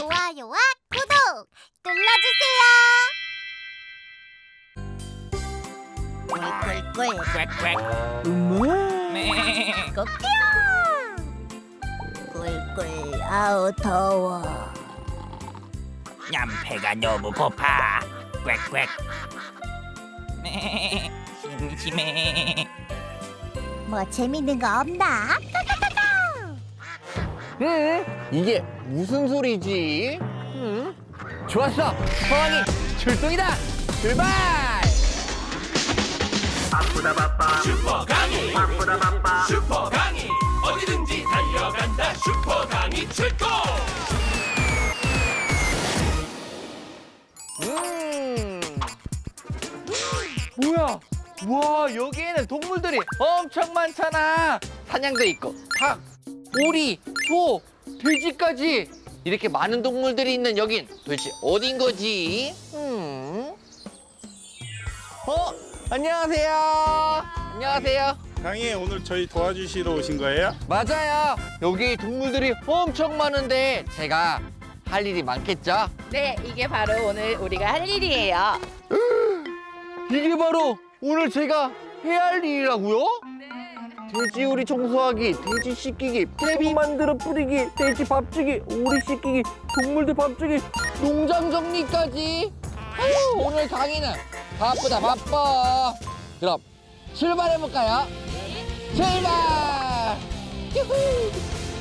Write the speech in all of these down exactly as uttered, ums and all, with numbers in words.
좋아요와 구독 눌러주세요. 꿀꿀꿀 꽥꽥. 음마. 네. 꼬끼야. 꿀꿀 아우 더워. 얌배가 너무 고파. 꽥꽥. 네. 심심해. 뭐 재밌는 거 없나? 응? 이게 무슨 소리지? 응? 좋았어! 호랑이 출동이다! 출발! 바쁘다 바빠 슈퍼 강희 바쁘다 바빠 슈퍼 강희 어디든지 달려간다 슈퍼 강희 출동. 음. 뭐야? 와, 여기에는 동물들이 엄청 많잖아. 사냥도 있고, 닭, 오리, 소, 돼지까지. 이렇게 많은 동물들이 있는 여긴 도대체 어딘 거지? 음. 어? 안녕하세요. 안녕하세요. 강희 오늘 저희 도와주시러 오신 거예요? 맞아요. 여기 동물들이 엄청 많은데 제가 할 일이 많겠죠? 네, 이게 바로 오늘 우리가 할 일이에요. 이게 바로 오늘 제가 해야 할 일이라고요? 돼지우리 청소하기, 돼지 씻기기, 퇴비 만들어 뿌리기, 돼지 밥 주기, 오리 씻기기, 동물들 밥 주기, 농장 정리까지. 아유, 오늘 강의는 바쁘다 바빠. 그럼 출발해 볼까요? 출발! 유후!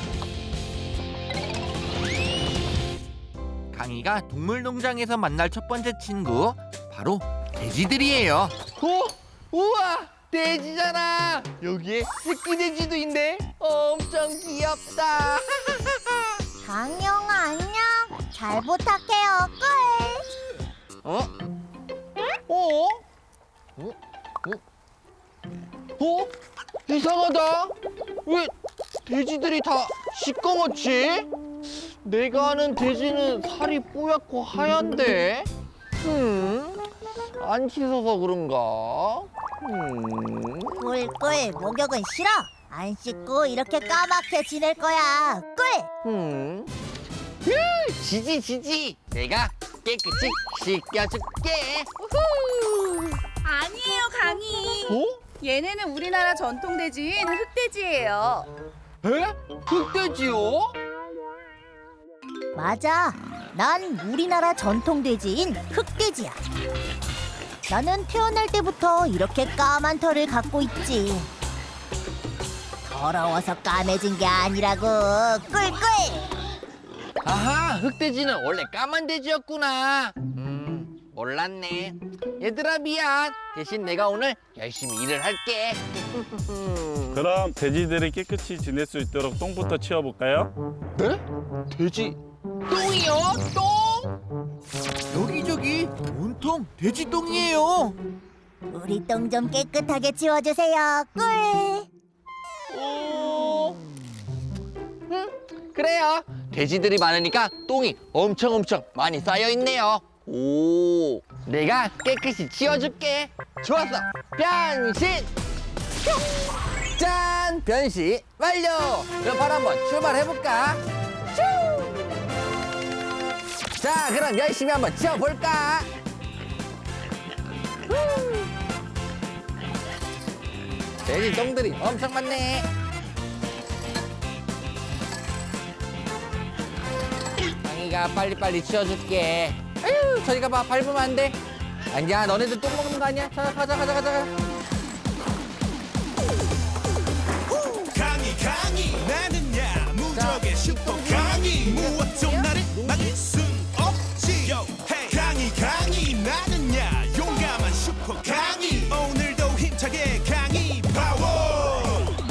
강희가 동물농장에서 만날 첫 번째 친구 바로 돼지들이에요. 어? 우와! 돼지잖아! 여기에 새끼 돼지도 있네. 엄청 귀엽다. 강영아 안녕. 잘 부탁해요. 꿀. 어? 어? 어? 어? 어? 이상하다. 왜 돼지들이 다 시꺼멓지? 내가 아는 돼지는 살이 뽀얗고 하얀데. 음? 안 씻어서 그런가? 음. 꿀꿀 목욕은 싫어. 안 씻고 이렇게 까맣게 지낼 거야. 꿀. 음. 으, 지지 지지. 내가 깨끗이 씻겨줄게. 우후. 아니에요, 강희. 어? 얘네는 우리나라 전통 돼지인 흑돼지예요. 에? 흑돼지요? 맞아. 난 우리나라 전통 돼지인 흑돼지야. 나는 태어날 때부터 이렇게 까만 털을 갖고 있지. 더러워서 까매진 게 아니라고. 꿀꿀. 아하, 흑돼지는 원래 까만 돼지였구나. 음, 몰랐네. 얘들아 미안. 대신 내가 오늘 열심히 일을 할게. 그럼 돼지들이 깨끗이 지낼 수 있도록 똥부터 치워볼까요? 네? 돼지 똥이요? 똥? 여기저기 온통 돼지 똥이에요. 우리 똥 좀 깨끗하게 치워주세요. 꿀. 오. 음, 그래요. 돼지들이 많으니까 똥이 엄청 엄청 많이 쌓여 있네요. 오, 내가 깨끗이 치워줄게. 좋았어. 변신. 뿅. 짠, 변신 완료. 그럼 바로 한번 출발해볼까? 슈. 자, 그럼 열심히 한번 치워볼까? 후. 돼지 똥들이 엄청 많네. 강희가 빨리빨리 치워줄게. 아유, 저리가 봐. 밟으면 안 돼. 아니야, 너네들 똥 먹는 거 아니야? 자, 가자, 가자, 가자. 강희 강희 나는야 무적의 슈퍼 강희 무엇도 나를 막을 순 없지. Yo, hey. 강희 강희 나는야 용감한 슈퍼 강희 오늘도 힘차게 강희 파워.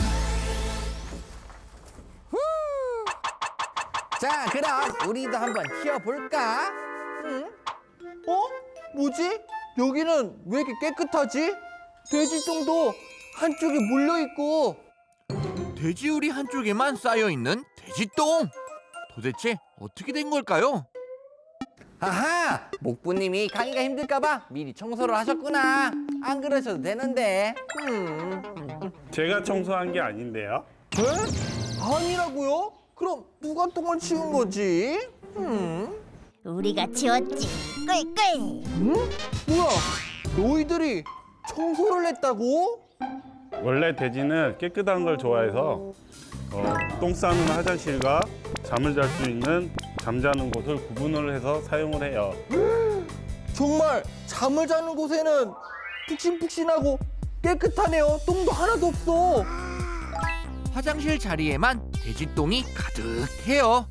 자, 그럼 우리도 한번 치워볼까? 응? 어? 뭐지? 여기는 왜 이렇게 깨끗하지? 돼지똥도 한쪽에 물려있고 돼지우리 한쪽에만 쌓여있는 돼지똥. 도대체 어떻게 된 걸까요? 아하! 목부님이 강희가 힘들까봐 미리 청소를 하셨구나. 안 그러셔도 되는데. 음. 제가 청소한 게 아닌데요. 에? 아니라고요? 그럼 누가 똥을 치운 거지? 음? 우리가 치웠지. 꿀꿀. 응? 뭐야? 너희들이 청소를 했다고? 원래 돼지는 깨끗한 걸 좋아해서 어, 똥 싸는 화장실과 잠을 잘 수 있는 잠자는 곳을 구분을 해서 사용을 해요. 정말 잠을 자는 곳에는 푹신푹신하고 깨끗하네요. 똥도 하나도 없어. 화장실 자리에만 돼지똥이 가득해요.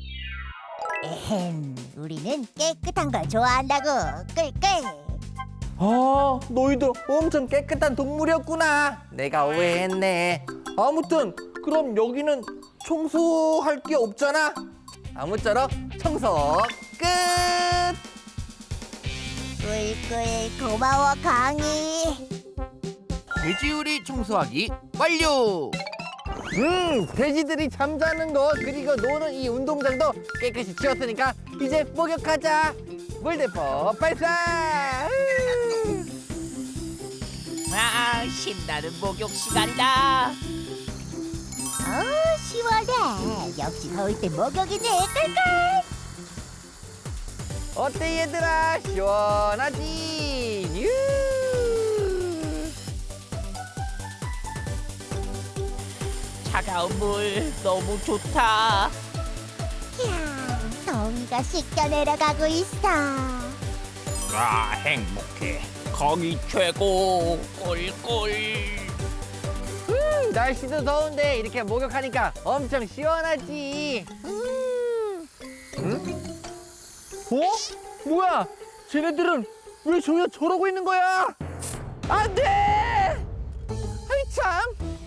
에헴, 우리는 깨끗한 걸 좋아한다고. 꿀꿀. 아, 너희들 엄청 깨끗한 동물이었구나. 내가 오해했네. 아무튼 그럼 여기는 청소할 게 없잖아. 아무쪼록 청소 끝. 꿀꿀 고마워 강이. 돼지우리 청소하기 완료. 음, 돼지들이 잠자는 곳 그리고 노는 이 운동장도 깨끗이 치웠으니까 이제 목욕하자. 물대포 발사. 아, 신나는 목욕 시간이다. 어우 시원해. 역시 더울 때 목욕이지. 꿀꿀. 어때 얘들아? 시원하지? 유. 차가운 물 너무 좋다. 이야, 더위가 씻겨 내려가고 있어. 아, 행복해. 거기 최고. 꿀꿀. 음, 날씨도 더운데 이렇게 목욕하니까 엄청 시원하지. 음. 응? 어? 뭐야? 쟤네들은 왜 저기서 저러고 있는 거야? 안 돼! 아이 참.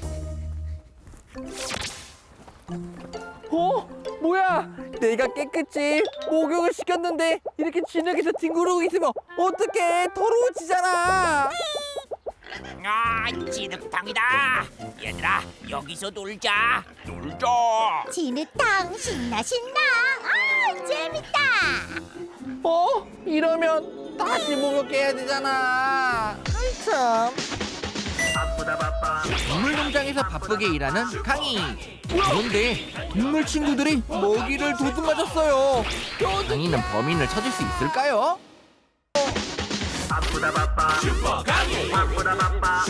어? 뭐야? 내가 깨끗이 목욕을 시켰는데 이렇게 진흙에서 뒹구르고 있으면 어떡해? 더러워지잖아. 아, 진흙탕이다. 얘들아, 여기서 놀자. 놀자. 진흙탕 신나 신나. 아 재밌다. 어? 이러면 다시 목욕해야 되잖아. 아이 참. 바쁘다 바빠 동물농장에서 바쁘게 일하는 강희. 그런데 동물 친구들이 먹이를 도둑맞았어요. 강희는 범인을 찾을 수 있을까요? 바쁘다 바빠 바쁘다 바빠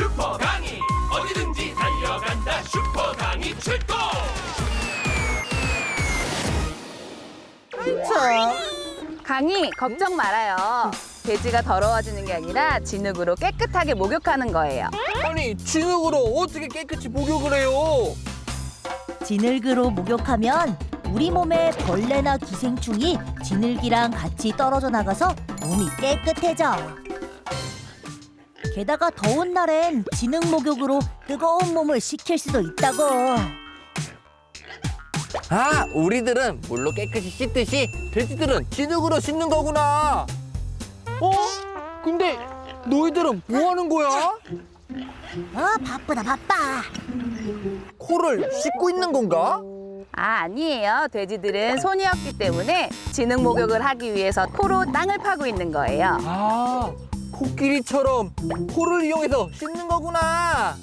참. 강이 걱정 말아요. 돼지가 더러워지는 게 아니라 진흙으로 깨끗하게 목욕하는 거예요. 아니 진흙으로 어떻게 깨끗이 목욕을 해요? 진흙으로 목욕하면 우리 몸에 벌레나 기생충이 진흙이랑 같이 떨어져 나가서 몸이 깨끗해져. 게다가 더운 날엔 진흙 목욕으로 뜨거운 몸을 식힐 수도 있다고. 아, 우리들은 물로 깨끗이 씻듯이 돼지들은 진흙으로 씻는 거구나. 어? 근데 너희들은 뭐 하는 거야? 어 바쁘다 바빠. 코를 씻고 있는 건가? 아, 아니에요. 돼지들은 손이 없기 때문에 진흙 목욕을 하기 위해서 코로 땅을 파고 있는 거예요. 아, 코끼리처럼 코를 이용해서 씻는 거구나.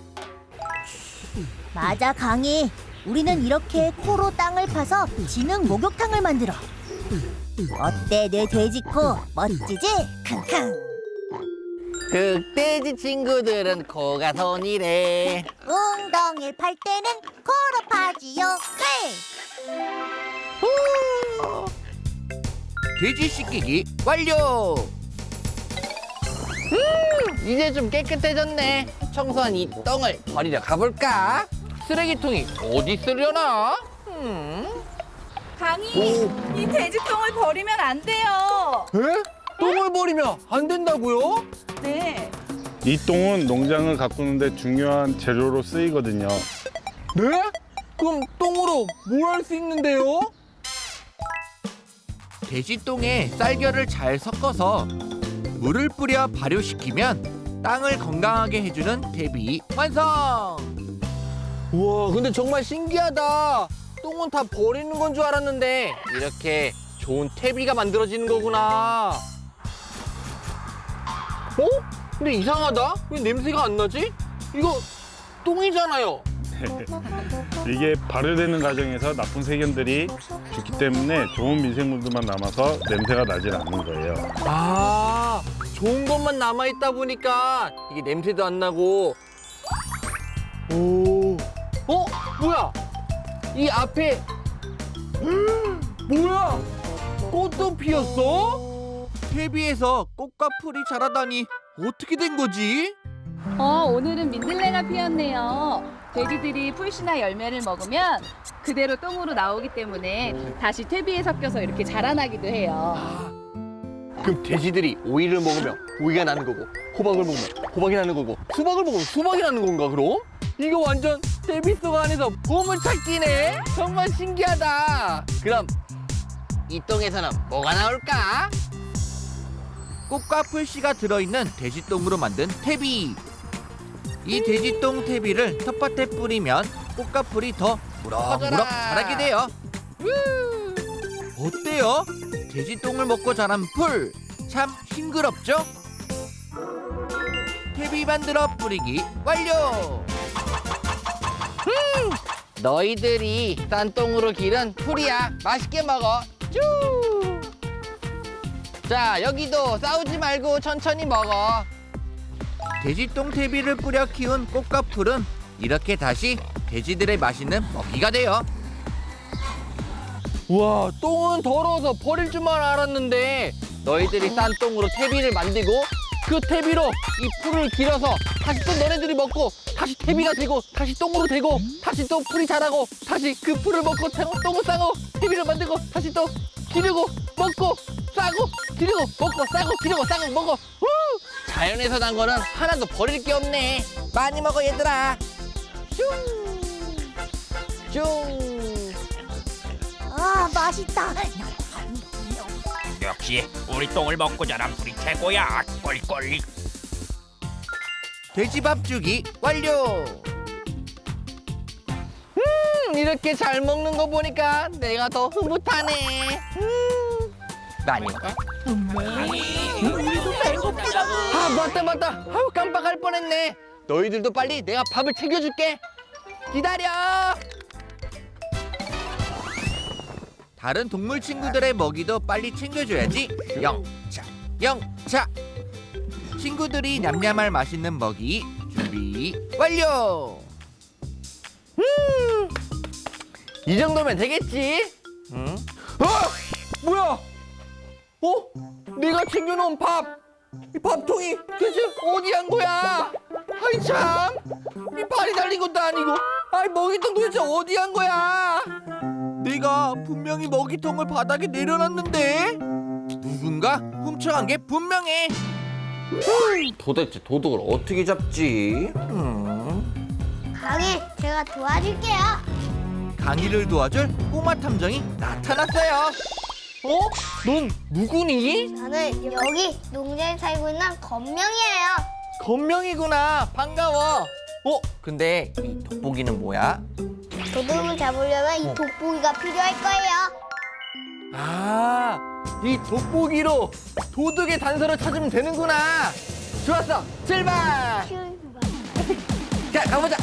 맞아 강희. 우리는 이렇게 코로 땅을 파서 진흙 목욕탕을 만들어. 어때 내 돼지코 멋지지? 킁킁. 그 돼지 친구들은 코가 손이래. 웅덩이를 팔 때는 코로 파지요. 돼지 씻기기 완료. 음, 이제 좀 깨끗해졌네. 청소한 이 똥을 버리러 가볼까? 쓰레기통이 어디 있으려나? 음. 강이, 오. 이 돼지똥을 버리면 안 돼요. 에? 똥을 버리면 안 된다고요? 네. 이 똥은 농장을 가꾸는데 중요한 재료로 쓰이거든요. 네? 그럼 똥으로 뭘 할 수 있는데요? 돼지똥에 쌀겨를 잘 섞어서 물을 뿌려 발효시키면 땅을 건강하게 해주는 퇴비 완성! 우와, 근데 정말 신기하다. 똥은 다 버리는 건 줄 알았는데 이렇게 좋은 퇴비가 만들어지는 거구나. 어? 근데 이상하다. 왜 냄새가 안 나지? 이거 똥이잖아요. 이게 발효되는 과정에서 나쁜 세균들이 죽기 때문에 좋은 미생물들만 남아서 냄새가 나질 않는 거예요. 아, 좋은 것만 남아 있다 보니까 이게 냄새도 안 나고. 오, 어, 뭐야? 이 앞에 뭐야? 꽃도 피었어? 퇴비에서 꽃과 풀이 자라다니 어떻게 된 거지? 어, 오늘은 민들레가 피었네요. 돼지들이 풀씨나 열매를 먹으면 그대로 똥으로 나오기 때문에 다시 퇴비에 섞여서 이렇게 자라나기도 해요. 그럼 돼지들이 오이를 먹으면 오이가 나는 거고, 호박을 먹으면 호박이 나는 거고, 수박을 먹으면 수박이 나는 건가 그럼? 이거 완전 퇴비 속 안에서 보물찾기네. 정말 신기하다. 그럼 이 똥에서는 뭐가 나올까? 꽃과 풀씨가 들어있는 돼지똥으로 만든 퇴비. 이 돼지똥 퇴비를 텃밭에 뿌리면 꽃과 풀이 더 무럭무럭 자라게 돼요. 어때요? 돼지똥을 먹고 자란 풀, 참 싱그럽죠? 퇴비 만들어 뿌리기 완료! 음, 너희들이 싼 똥으로 기른 풀이야. 맛있게 먹어. 쭈! 자, 여기도 싸우지 말고 천천히 먹어. 돼지똥 퇴비를 뿌려 키운 꽃과 풀은 이렇게 다시 돼지들의 맛있는 먹이가 돼요. 우와, 똥은 더러워서 버릴 줄만 알았는데 너희들이 싼 똥으로 퇴비를 만들고 그 퇴비로 이 풀을 길어서 다시 또 너네들이 먹고 다시 퇴비가 되고 다시 똥으로 되고 다시 또 풀이 자라고 다시 그 풀을 먹고 똥을 싸고 퇴비를 만들고 다시 또 기르고 먹고 싸고 기르고 먹고 싸고 기르고 싸고 먹어. 후! 자연에서 난 거는 하나도 버릴 게 없네. 많이 먹어 얘들아. 슝! 슝! 아, 맛있다. 역시 우리 똥을 먹고 자란 풀이 최고야. 꿀꿀. 돼지밥 주기 완료. 음, 이렇게 잘 먹는 거 보니까 내가 더 흐뭇하네. 음, 많이 먹어. 아, 맞다 맞다. 아유, 깜빡할 뻔했네. 너희들도 빨리 내가 밥을 챙겨줄게. 기다려. 다른 동물 친구들의 먹이도 빨리 챙겨줘야지. 영차, 영차. 친구들이 냠냠할 맛있는 먹이 준비 완료. 음, 이 정도면 되겠지? 응? 어? 뭐야? 어? 내가 챙겨놓은 밥, 이 밥통이 대체 어디 간 거야? 아이 참, 이 발이 달린 것도 아니고, 아이 먹이통 도대체 어디 간 거야? 내가 분명히 먹이통을 바닥에 내려놨는데 누군가 훔쳐간 게 분명해. 음, 도대체 도둑을 어떻게 잡지? 음. 강희, 제가 도와줄게요. 강희를 도와줄 꼬마 탐정이 나타났어요. 어? 넌 누구니? 저는 여기 농장에 살고 있는 건명이에요. 건명이구나. 반가워. 어? 근데 이 돋보기는 뭐야? 도둑을 잡으려면 이 돋보기가 필요할 거예요. 아, 이 돋보기로 도둑의 단서를 찾으면 되는구나. 좋았어. 출발. 자, 가보자.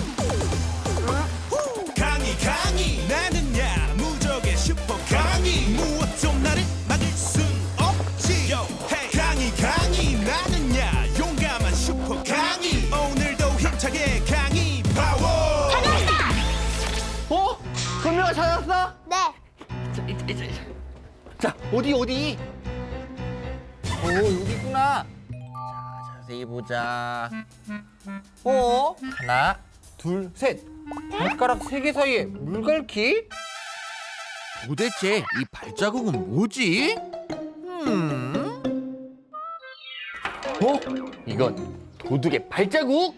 강이 강이 나는 야무적의 슈퍼 강이 무엇도 나를 막을 순 없지. Yo, hey. 강이 강이 나는 야 용감한 슈퍼 강이 오늘도 힘차게 강이 파워. 어? 건명아 찾았어? 네. 자, 이제, 이제, 이제. 자, 어디 어디? 오, 여기 있구나. 자, 자세히 보자. 어? 하나, 둘, 셋. 발가락 세 개 사이에 물갈퀴? 도대체 이 발자국은 뭐지? 음? 어? 이건 도둑의 발자국?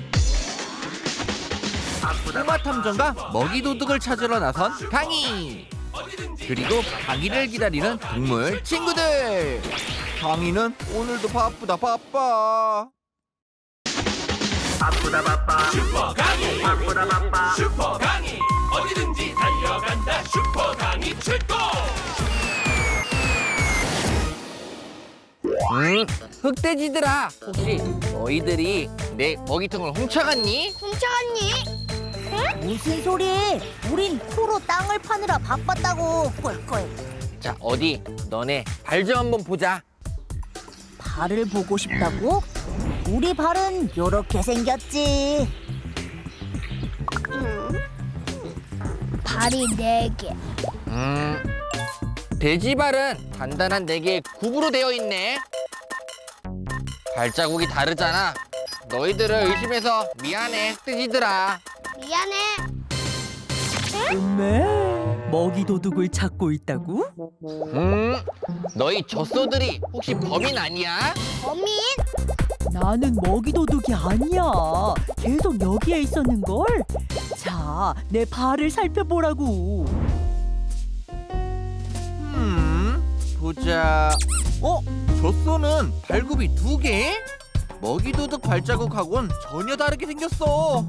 꼬마 탐정과 먹이 도둑을 찾으러 나선 강희. 그리고 강희를 기다리는 동물 친구들. 강희는 오늘도 바쁘다 바빠. 바쁘다 바빠 슈퍼 강이 바쁘다 바빠 슈퍼 강이 어디든지 달려간다. 슈퍼 강이 최고. 음, 흑돼지들아, 혹시 너희들이 내 먹이통을 훔쳐갔니? 훔쳐갔니? 무슨 소리? 우린 코로 땅을 파느라 바빴다고. 꿀꿀. 자, 어디 너네 발 좀 한번 보자. 발을 보고 싶다고? 우리 발은 요렇게 생겼지. 발이 네 개. 음, 돼지 발은 단단한 네 개의 굽으로 되어 있네. 발자국이 다르잖아. 너희들을 의심해서 미안해, 뜨지들아. 미안해. 음메, 먹이 도둑을 찾고 있다고? 음, 너희 젖소들이 혹시 범인 아니야? 범인? 나는 먹이 도둑이 아니야. 계속 여기에 있었는걸. 자, 내 발을 살펴보라고. 음, 보자. 어? 젖소는 발굽이 두 개? 먹이 도둑 발자국하고는 전혀 다르게 생겼어.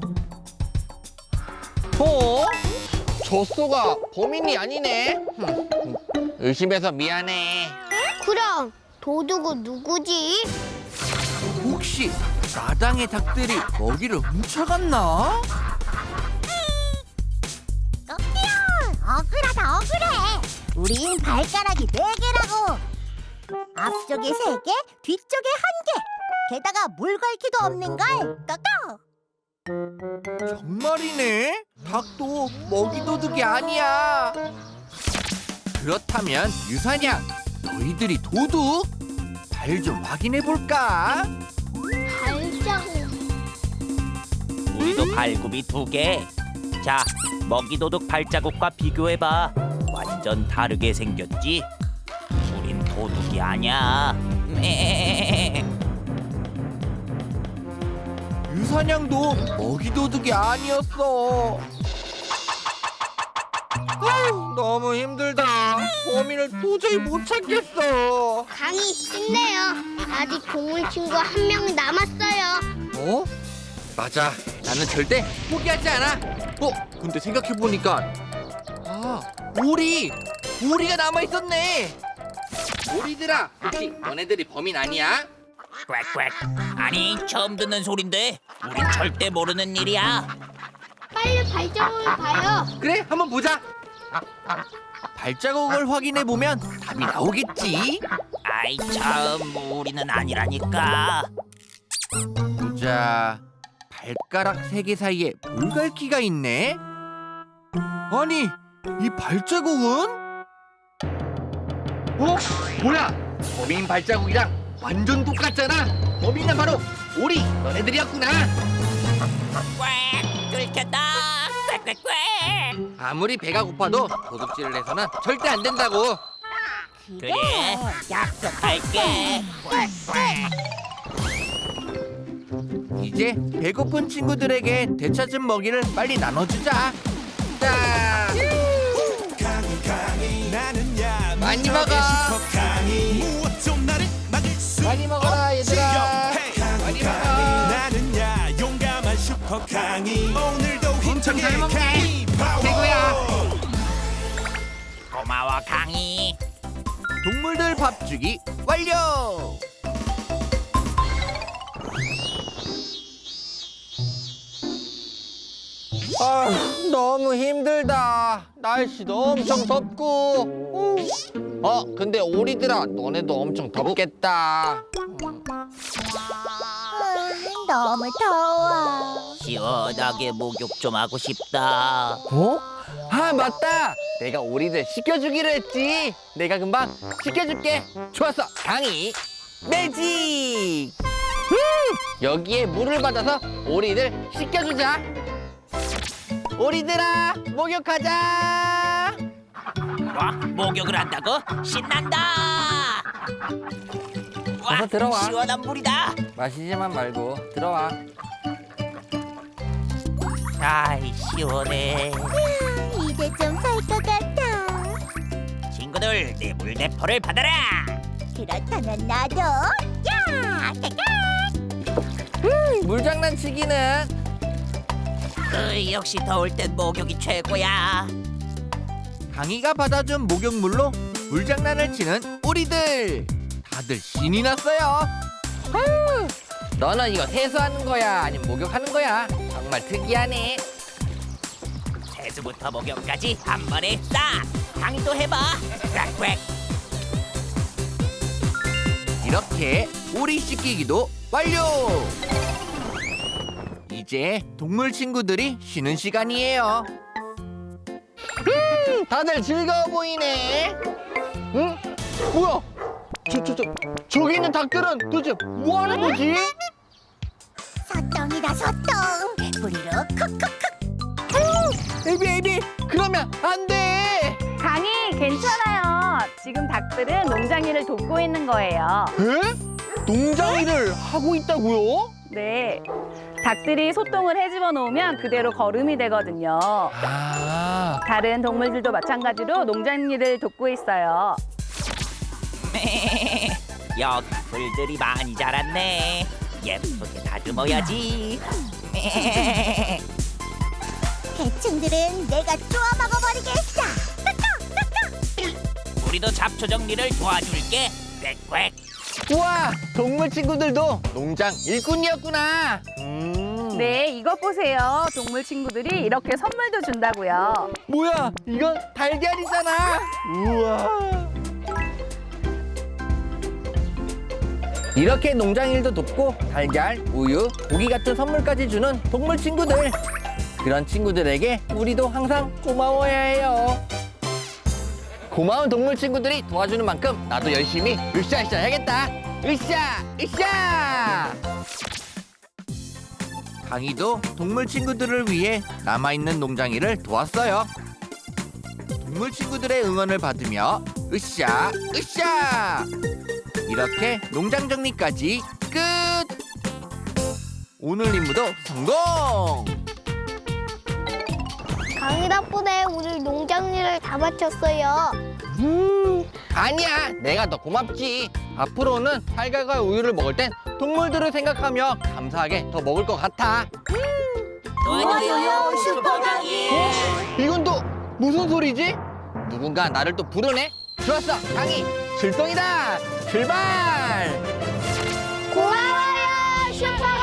어? 젖소가 범인이 아니네. 흠, 의심해서 미안해. 그럼 도둑은 누구지? 혹시 마당의 닭들이 먹이를 훔쳐갔나? 억울하다 억울해. 우린 발가락이 네 개라고. 앞쪽에 세 개, 뒤쪽에 한 개. 게다가 물갈퀴도 없는걸. 까까. 정말이네. 닭도 먹이 도둑이 아니야. 그렇다면 유사냥, 너희들이 도둑? 발 좀 확인해 볼까? 발자국. 우리도 발굽이 두 개. 자, 먹이도둑 발자국과 비교해봐. 완전 다르게 생겼지? 우린 도둑이 아니야. 유사냥도 먹이 도둑이 아니었어. 아유, 너무 힘들다. 범인을 도저히 못 찾겠어. 강이 힘내요. 아직 동물 친구 한 명 남았어요. 어? 맞아. 나는 절대 포기하지 않아. 어? 근데 생각해보니까 아, 오리! 오리가 남아있었네. 오리들아, 혹시 너네들이 범인 아니야? 꽥꽥. 아니, 처음 듣는 소린데 우린 절대 모르는 일이야. 빨리 발자국을 봐요. 그래, 한번 보자. 발자국을 확인해보면 답이 나오겠지. 아이 참, 우리는 아니라니까. 보자. 발가락 세 개 사이에 물갈퀴가 있네. 아니, 이 발자국은? 어? 뭐야? 범인 발자국이랑 완전 똑같잖아. 범인은 바로 오리, 너네들이었구나. 꽥, 뚫겠다. 꽥꽥꽥. 아무리 배가 고파도 도둑질을 해서는 절대 안 된다고. 그래, 약속할게. 꽥꽥. 이제 배고픈 친구들에게 되찾은 먹이를 빨리 나눠주자. 자, 강이 강이 나는 야 많이 무적의 먹어. 슈퍼 강이 무엇도 나를 막을 수 많이 먹어라, 없지. 얘들아. 강이 많이 강이 먹어. 나는 야 용감한 슈퍼 강이 오늘도 힘차게 잘 먹네. 강이 파워. 최고야. 고마워 강이. 동물들 밥 주기 완료. 아, 너무 힘들다. 날씨도 엄청 덥고. 어, 근데 오리들아, 너네도 엄청 덥겠다. 아, 너무 더워. 시원하게 목욕 좀 하고 싶다. 어? 아, 맞다. 내가 오리들 씻겨주기로 했지. 내가 금방 씻겨줄게. 좋았어, 강이 매직. 음, 여기에 물을 받아서 오리들 씻겨주자. 오리들아, 목욕하자. 와, 목욕을 한다고? 신난다. 와, 어서 들어와. 시원한 물이다. 마시지만 말고 들어와. 아이 시원해. 이제 좀 살 것 같아. 친구들, 내 물대포를 받아라. 그렇다면 나도. 야! 물장난치기는 으이, 역시 더울 땐 목욕이 최고야. 강이가 받아준 목욕물로 물장난을 치는 오리들. 다들 신이 났어요. 아유, 너는 이거 세수하는 거야, 아니면 목욕하는 거야? 정말 특이하네. 접수부터 목욕까지 한 번에 싹. 강의도 해봐. 꽥꽥. 이렇게 오리 씻기기도 완료. 이제 동물 친구들이 쉬는 시간이에요. 음, 다들 즐거워 보이네. 응? 뭐야? 저, 저, 저, 저기 있는 닭들은 도대체 뭐 하는 거지? 소똥이다 소똥. 뿌리로 콕콕콕. 에비, 에비, 그러면 안 돼. 강희 괜찮아요. 지금 닭들은 농장 일을 돕고 있는 거예요. 에? 농장 일을 하고 있다고요? 네. 닭들이 소똥을 헤집어 놓으면 그대로 거름이 되거든요. 아, 다른 동물들도 마찬가지로 농장 일을 돕고 있어요. 여기 풀들이 많이 자랐네. 예쁘게 다듬어야지. 해충들은 내가 쪼아 먹어버리겠어. 우리도 잡초 정리를 도와줄게. 꽥꽥. 우와, 동물 친구들도 농장 일꾼이었구나. 음. 네, 이것 보세요. 동물 친구들이 이렇게 선물도 준다고요. 뭐야, 이건 달걀이잖아. 우와. 이렇게 농장 일도 돕고 달걀, 우유, 고기 같은 선물까지 주는 동물 친구들. 그런 친구들에게 우리도 항상 고마워야 해요. 고마운 동물 친구들이 도와주는 만큼 나도 열심히 으쌰으쌰 해야겠다. 으쌰, 으쌰. 강희도 동물 친구들을 위해 남아있는 농장 일을 도왔어요. 동물 친구들의 응원을 받으며 으쌰, 으쌰. 이렇게 농장 정리까지 끝! 오늘 임무도 성공! 강희 덕분에 오늘 농장 일을 다 마쳤어요. 음, 아니야, 내가 더 고맙지. 앞으로는 달걀과 우유를 먹을 땐 동물들을 생각하며 감사하게 더 먹을 것 같아. 도와줘요, 슈퍼강희. 이건 또 무슨 소리지? 누군가 나를 또 부르네? 좋았어, 강희, 출동이다! 출발! 고마워요, 슈퍼